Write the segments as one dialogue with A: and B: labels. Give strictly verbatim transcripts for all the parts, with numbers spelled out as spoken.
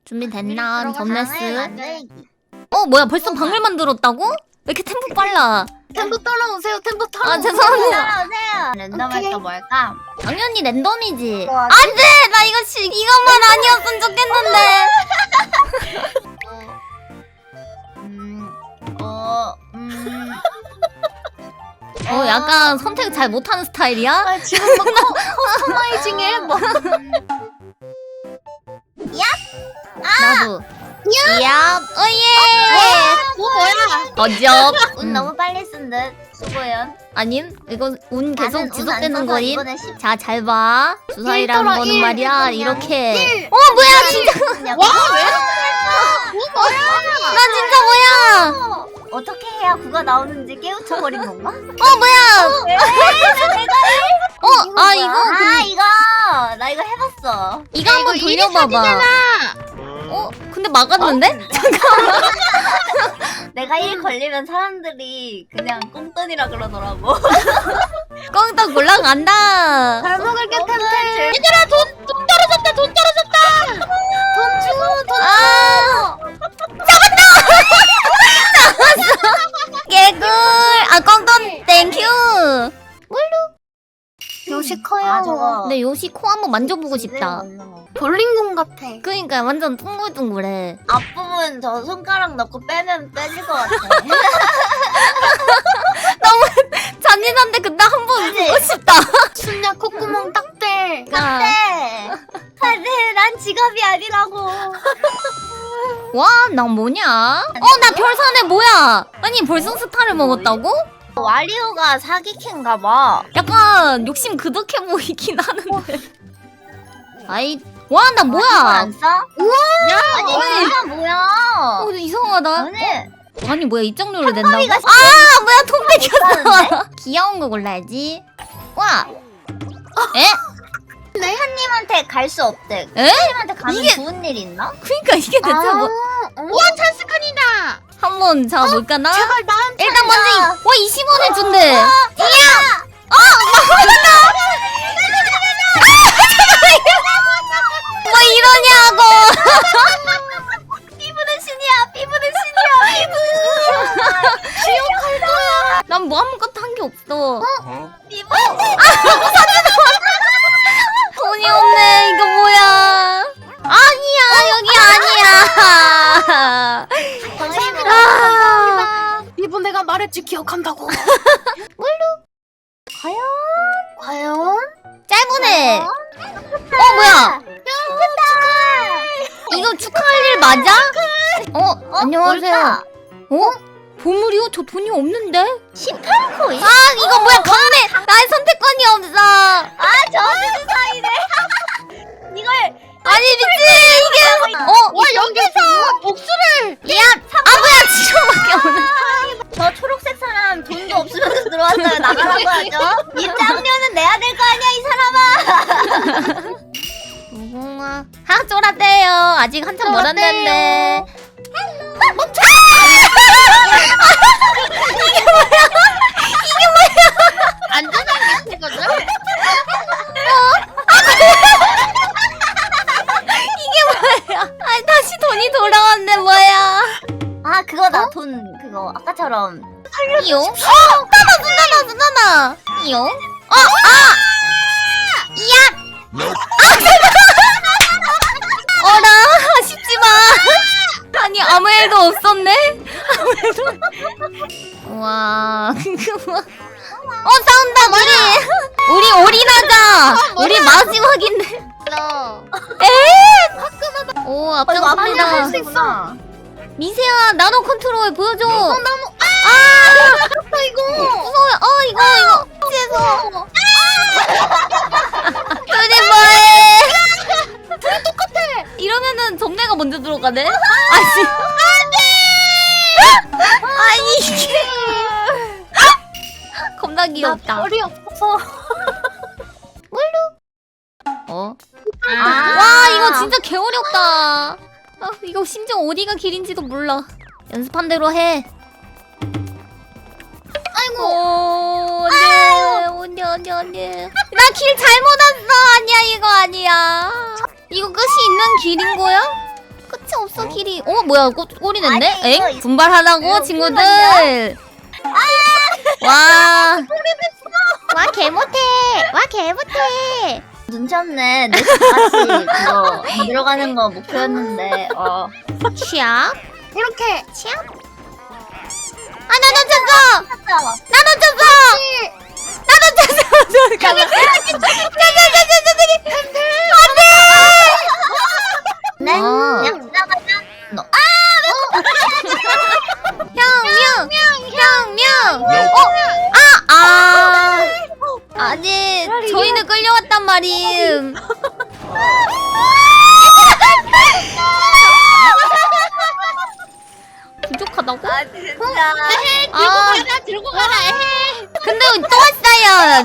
A: 준비됐나? 점레스. 어 뭐야 벌써 방을 만들었다고? 왜 이렇게 템포 빨라?
B: 템포 따라오세요. 템포
A: 아
B: 따라오세요.
A: 죄송합니다.
C: 따라오세요. 랜덤할 거 뭘까?
A: 당연히 랜덤이지.
C: 뭐 하지?
A: 안돼 나 이거 시, 이것만 아니었으면 좋겠는데.
C: 음, 어, 음.
A: 어 약간 선택 잘 못하는 스타일이야?
B: 아, 지금 막 커, 커스터마이징해. 뭐.
A: 나도. 야, 어예.
B: 뭐 뭐야?
A: 어접.
C: 운
A: 음.
C: 너무 빨리 쓴 듯. 수고연.
A: 아님 이거 운 계속
C: 나는 운안
A: 지속되는
C: 써서
A: 거임.
C: 이번에 십
A: 자 잘 봐. 주사위라는
B: 일더라,
A: 거는
B: 일.
A: 말이야
C: 그냥
A: 이렇게.
C: 일.
A: 어 뭐야 진짜.
C: 그냥
B: 와, 왜 이렇게
A: 나 진짜 뭐야?
C: 어, 어떻게 해야 구가 나오는지 깨우쳐버린 건가?
A: 어 뭐야? 어 아 이거
C: 아
A: 근-
C: 이거 나 이거 해봤어.
A: 이거 한번
B: 이거 일이
A: 돌려봐봐. 어 근데 막았는데?
C: 내가 일 걸리면 사람들이 그냥 꽁돈이라 그러더라고.
A: 꽁떡 올라간다.
C: 잘 먹을게 템템.
B: 얘들아 돈, 돈 떨어졌다. 돈 떨어졌다.
C: 돈 주고 돈
A: 아 개꿀. 아 꽁떡 땡큐.
B: 요시 커요.
C: 아 저거.
A: 근데 요시 코 한번 만져보고 싶다.
B: 볼링공 같아.
A: 그러니까 완전 둥글둥글해.
C: 앞부분 저 손가락 넣고 빼면 빼질 것 같아.
A: 잔인한데 근데 한번
C: 그치?
A: 보고 싶다.
C: 순야 콧구멍 딱 빼.
A: 아.
C: 네. 근데 난 지갑이 아니라고.
A: 와, 난 뭐냐? 어, 나 별산에 뭐야? 아니, 벌써 스타를 먹었다고?
C: 와리오가 사기캔가 봐.
A: 약간 욕심 그득해 보이긴 하는데. 아이, 와, 나
C: 이거
A: 뭐야?
C: 안 써? 아니
A: 아니.
C: 이거 뭐야?
A: 어, 이상하다.
C: 아니
A: 아니, 뭐야, 이 정도로 된다고?
C: 가
A: 아, 뭐야, 통
C: 못하는데?
A: 뺏겼어. 귀여운 거 골라야지. 와. 에?
C: 님한테 갈 수 없대.
A: 에?
C: 님한테 가면
A: 이게-
C: 좋은 일 있나?
A: 그니까 이게 대체 뭐.
B: 와 찬스칸이다.
A: 한번 잡아볼까나?
B: 제발 나한테.
A: 일단 먼저, 이- 와, 이십 원을 준대.
C: 어,
A: 뭐 이러냐고.
C: 피부는 신이야. 피부는 신이야. 피부는 신이야.
A: 난 뭐 아무것도 한 게 없어.
C: 피부는 신.
A: 돈이 없네. 이거 뭐야? 아니야, 여기 아니야.
C: 감사합니다.
A: 아,
B: 이분 내가 말했지 기억한다고.
C: 과연?
B: 과연?
A: 짧으네. 어, 뭐야? 이거 축하할 일 맞아? 어, 안녕하세요. 어? 보물이요? 저 돈이 없는데?
C: 십팔 코인?
A: 아, 이거 뭐야? 강매. 나의 선택권이 없어.
C: 아, 저주는 사이네. 이걸
A: 아니, 미친. 이게. 어,
B: 와 여기서 복수를.
A: 야. 아, 뭐야? 지금밖에 없네.
C: 저 초록색 사람 돈도 없으면서 들어왔어요. 나가라고 하죠. 입장료는 내야 될 거 아니야, 이 사람아.
A: 무궁화. 하, 쫄았대요. 아직 한참 멀었는데. 멈춰!
B: 안전한 거거든.
A: 아니, 다시 돈이 돌아왔네, 뭐야.
C: 아, 그거다. 돈 그거 아까처럼.
A: 이용? 어! 나나, 나나, 나나. 이용? 어, 아! 이야! 아, 어라, 아쉽지만. 아니, 아무 일도 없었네? 아무 일도. 와, 그거. 어, 싸운다, 우리. 우리 올인하자. 우리 마지막인데.
B: 너.
A: 에? 오,
C: 어, 이거 앞에
A: 앞장섭니다.
C: 할수 있어.
A: 미세야, 나노 컨트롤 보여줘.
B: 어 나무.
A: 아!
B: 아빠 이거.
A: 무서워요. 어, 이거, 이거. 죄송. 둘이 뭐해? 둘이 똑같아. 이러면은 점내가 먼저 들어가네? 아니. 안 돼! 아니, 이게. 겁나 귀엽다.
B: 머리 없어서.
A: 어?
C: 아.
A: 와, 이거 진짜 개어렵다. 아, 이거 심지어 어디가 길인지도 몰라. 연습한 대로 해. 아이고. 오, 안돼. 안돼, 안돼, 안돼. 나 길 잘못 왔어. 아니야, 이거 아니야. 이거 끝이 있는 길인 거야? 끝이 흡수키리. 어 뭐야 꼬, 꼬리 냈네?
C: 아니, 이거
A: 엥?
C: 있-
A: 분발하라고
C: 이거
A: 친구들. 와.
B: 와 개못해. 와 개못해.
C: 눈치 없네. 내 집까지 그거 들어가는 거 목표였는데. 어.
A: 취약.
B: 이렇게.
A: 취약. 아 나도 쳤어.
C: 찾아와.
A: 나도 쳤어. 나도 쳤어. 잠깐만.
C: 네.
A: 어.
C: 그냥 지나가자. 너. 아!
A: 형명 형명. 어? 아 아. 아니 저희는 끌려왔단 말임. 부족하다고?
C: 아 진짜.
A: 아
B: 들고 가라. 에헤.
A: 근데 또 왔어요.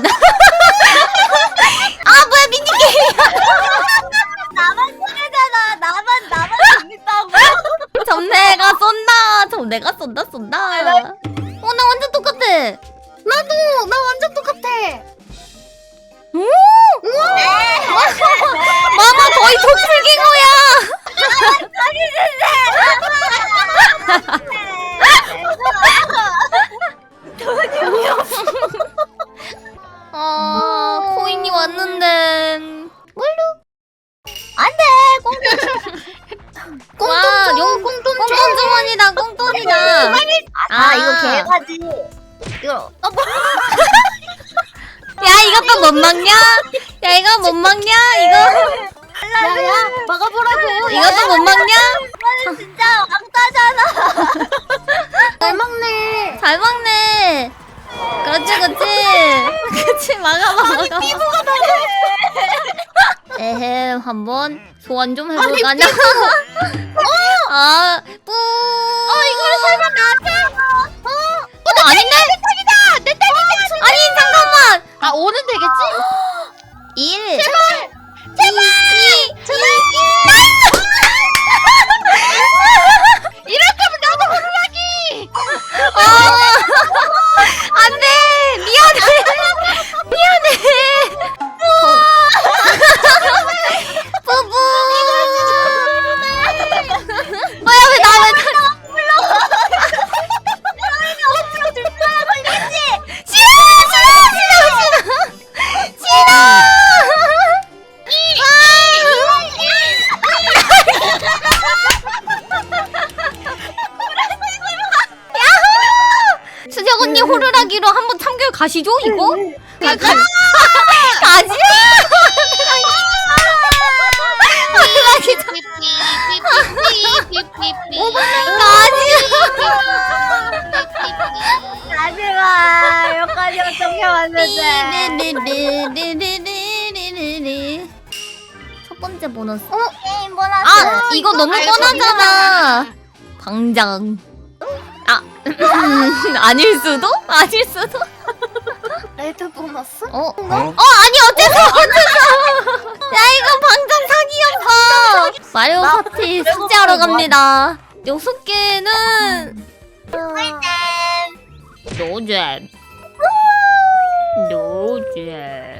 A: 아 뭐야 미니게임.
C: 나만 소리잖아. 나만 나만 재밌다고.
A: 점내가 쏜다. 점내가 쏜다 쏜다. 어 나 완전 똑같아.
B: 나도 나 완전 똑같아.
A: 오! 마마 거의 도플갱어야. 아 코인이 왔는데.
C: 안돼. 꽁.
A: 와, 용 꽁돈 주머니다, 꽁돈이다.
C: 아 이거 개가지. 이거. 어 뭐?
A: 야, 이것도 못 막냐? 야, 이거 못 막냐? 이거
B: 야야 막아보라고.
A: 이것도 못 막냐?
C: 이거는 진짜 왕따잖아.
B: 잘 먹네.
A: 잘 막네. 그렇지, 그렇지. 그렇지, 막아봐, 막아봐. 에헤, 한번 소환 좀 해볼까냐? 아, 뿌. 어, 이거를 설마 나한테? 어, 어, 나 아닌데? 내 딸이다! 내 딸이다! 아니, 잠깐만!
B: 아 오는 되겠지?
A: 일. 제발! 제발! 이. 제발!
B: 이럴 거면 나도 호루라기.
A: 아, 안 돼! 미안해! 미안해! 뿌뿌! 뭐야, 왜 나, 왜 나. 싫어! 싫어! 싫어! 싫어! 싫어! 야호! 수정 언니 호루라기로 한번 참결 가시죠, 이거? 가, 가, 가지! 호루라기 참-
C: 하지마. 여기까지 어떻게 왔는데.
A: 가지! 첫 번째 보너스.
C: 어? 게임 보너스.
A: 아, 이거 너무
B: 알고
A: 뻔하잖아. 광장. 아, 아닐 수도? 아닐 수도?
B: 레드 보너스?
A: 어? 어? 아니 어째서 어째서? 야 이거 방금 사기였어. 마리오 파티 숙제하러 갑니다. 여섯 개는 노잼. 노잼.